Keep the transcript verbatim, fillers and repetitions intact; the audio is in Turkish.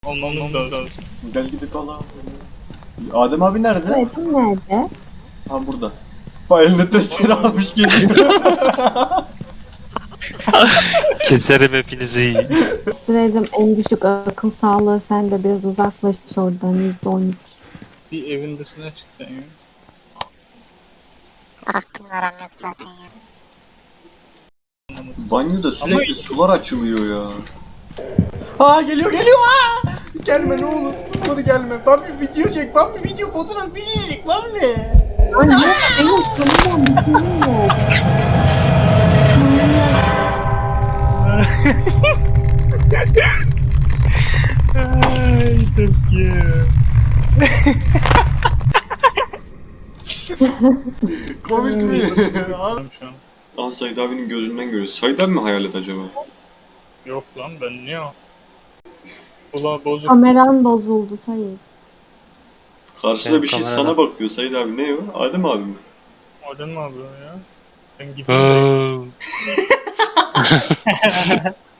Almamız lazım. Gel gidip alalım. Adem abi nerede? Tuvaletin nerede? Ha burada. Bak eline testere almış geliyor. Keserim hepinizi. Stredim en düşük akıl sağlığı, sen de biraz uzaklaş oradan. yüzde on üç. Bir evin dışına çıksan ya. Aklımla aram yok zaten ya. Banyoda sürekli Ama- sular açılıyor ya. Ha geliyor geliyor ha! Gelme ne olur. Dur gelme. Ben bir video çek. Ben bir video fotoğraf bir şey çek. Ben mi? Anne benim kameram bir şeyim yok. Ay Türkiye. Komik mi? Şu an. Aa Said abinin gözünden görüyoruz. Said abi mi hayalet acaba? Yok lan ben niye o? Ula bozuk. Kameran bozuldu Sayın. Karşıda Benim bir şey kamerada- sana bakıyor Said abi. Ne o? Adem abi mi? Oradan mı abi ya? Ben gideyim. Aa,